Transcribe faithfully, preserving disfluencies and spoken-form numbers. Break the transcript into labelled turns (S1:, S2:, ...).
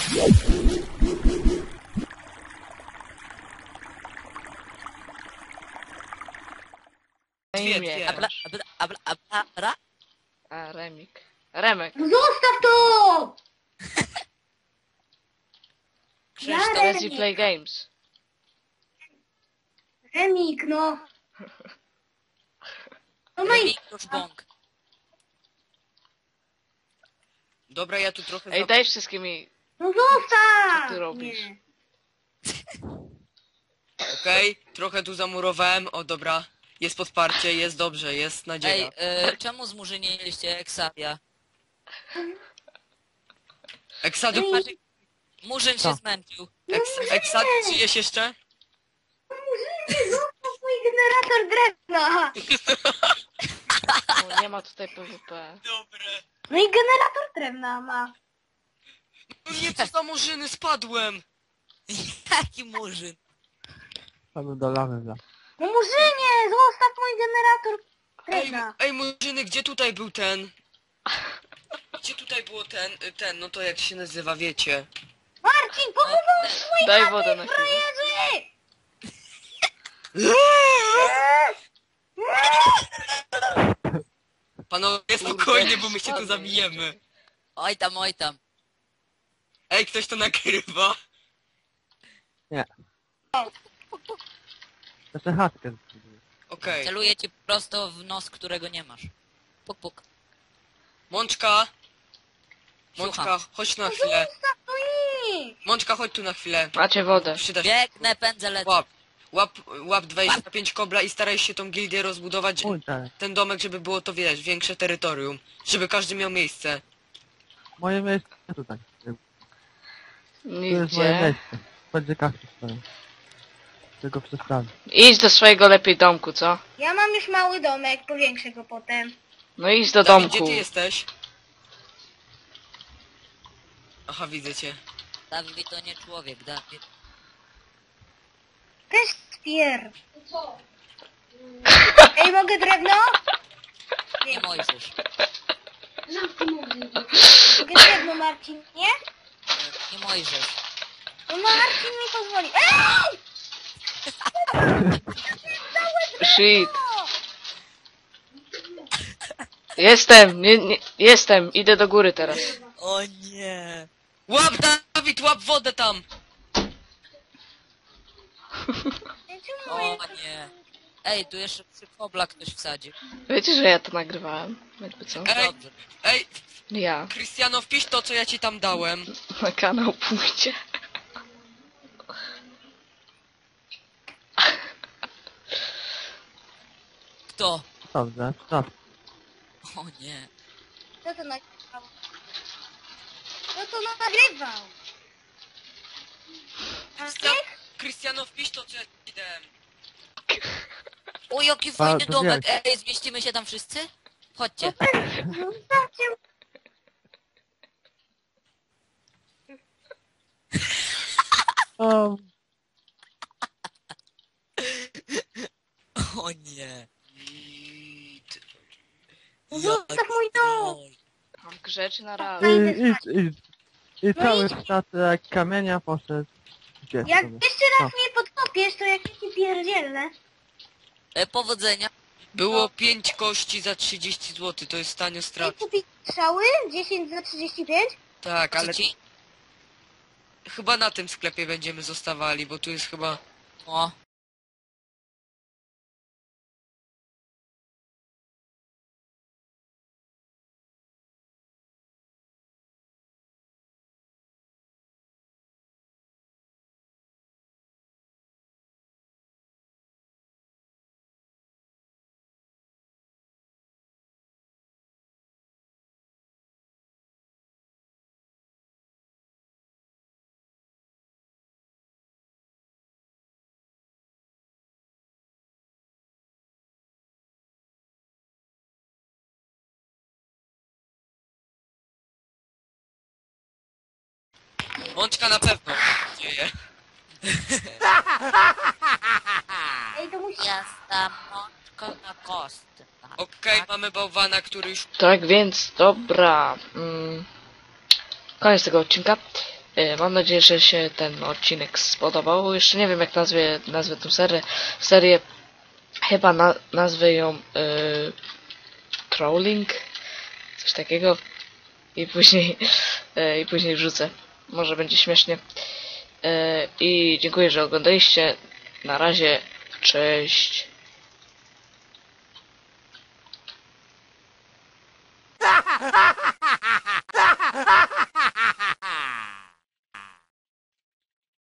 S1: Dwie, dwie.
S2: Abla, abla, abla, abla, abla.
S1: A, Remik. Remek.
S3: No zostaw to!
S2: Krzysztof.
S3: Ja
S1: Lazy Play Games.
S3: Remik, no. No no i...
S2: Remik już bąk.
S4: Dobra, ja tu trochę...
S1: Ej,
S4: za-
S1: daj wszystkimi.
S3: No zostaw!
S1: Co ty robisz?
S3: Nie.
S4: Okej, trochę tu zamurowałem, o dobra. Jest podparcie, jest dobrze, jest nadzieja.
S2: Ej, y, czemu zmurzyniliście Exavia?
S4: Eksadu,
S2: Znaczy, Murzyn się
S5: Co?
S2: zmęczył.
S4: eks, Eksad, żyjesz jeszcze?
S3: No Murzynie, zostaw mój generator drewna!
S1: O, nie ma tutaj PvP.
S4: Dobre.
S3: No i generator drewna ma.
S4: No nie, co za murzyny, spadłem!
S2: Jaki Murzyn?
S5: Panu do lawy dla.
S3: No Murzynie, zostaw mój generator
S4: Ej,
S3: drewna.
S4: ej murzyny, gdzie tutaj był ten? Gdzie tutaj było ten, y, ten, no to jak się nazywa, wiecie?
S3: Marcin, pochował swój
S1: Daj wodę na chwilę.
S3: frajerzy!
S4: Panowie, spokojnie, bo my się tu zabijemy.
S2: Oj tam, oj tam.
S4: Ej, ktoś to nakrywa?
S5: Jeszcze chatkę.
S4: Okej.
S2: Celuję ci prosto w nos, którego nie masz. Puk, puk.
S4: Mączka! Mączka,
S2: Słucham.
S4: chodź tu na chwilę.
S3: Zostaw to i...
S4: Mączka, chodź tu na chwilę.
S1: Macie wodę.
S4: Przyda się.
S2: Biegnę, pędzę, lecę.
S4: Łap. Łap, łap dwadzieścia pięć kobla i staraj się tą gildię rozbudować,
S5: Oj, tak.
S4: ten domek, żeby było to, wiesz, większe terytorium. Żeby każdy miał miejsce.
S5: Moje miejsce tutaj. Tu jest moje
S1: Nigdzie.
S5: miejsce. Będzie kafki stoją. Tylko przestawię.
S1: Idź do swojego lepiej domku, co?
S3: Ja mam już mały domek, powiększę go potem.
S1: No idź do
S4: Dawid, gdzie
S1: domku.
S4: ty jesteś? Aha, widzę cię.
S2: Dawid to nie człowiek, Dawid.
S3: Też spier. Ej, mogę drewno?
S2: Nie Mojżesz.
S3: Mogę drewno, Marcin, nie?
S2: Nie Mojżesz.
S3: No Marcin mi pozwoli. Ej!
S1: Shit. Jestem, nie, nie, jestem. Idę do góry teraz.
S2: O nie.
S4: Łap, Dawid, łap wodę tam!
S3: Ej, czemu
S2: O
S3: moje...
S2: nie. Ej, tu jeszcze przy kobla ktoś wsadził.
S1: Wiecie, że ja to nagrywałem? Jakby co?
S4: Ej,
S2: Dobrze.
S4: ej,
S1: Ja.
S4: Krystiano, wpisz to, co ja ci tam dałem.
S1: Na kanał pójdzie.
S2: Kto?
S5: Dobrze, no.
S2: O nie.
S3: Kto to nagrywał? Kto to nagrywał?
S4: Krystian, Krystiano, wpisz to, co ja ci dałem.
S2: O, jaki fajny
S5: to
S2: domek.
S5: wielki.
S2: Ej, zmieścimy się tam wszyscy? Chodźcie.
S3: Zostawcie...
S5: O,
S2: O nie.
S3: Zostaw mój dom!
S1: Mam grzeczy na raz.
S5: i, idź, idź. I cały statek kamienia poszedł. Gdzie
S3: Jak
S5: sobie?
S3: jeszcze raz mnie podkopiesz, to jak ci pierdzielę.
S2: E, powodzenia.
S4: Było pięć kości za trzydzieści złotych, to jest tanio
S3: Chcesz
S4: strat.
S3: kupić strzały? dziesięć za trzydzieści pięć?
S4: Tak,
S2: Co
S4: ale
S2: ci?
S4: chyba na tym sklepie będziemy zostawali, bo tu jest chyba...
S2: O.
S4: Mączka na pewno dzieje.
S3: Ej, to musi...
S2: Jasta mączko na kostce.
S4: Okej, mamy bałwana, który już...
S1: Tak więc, dobra. Mm, koniec tego odcinka. E, Mam nadzieję, że się ten odcinek spodobał. Jeszcze nie wiem, jak nazwie, nazwę tę serię. serię. Chyba na, nazwę ją y, Trolling. Coś takiego. I później, y, i później wrzucę. Może będzie śmiesznie. Y, I dziękuję, że oglądaliście. Na razie. Cześć.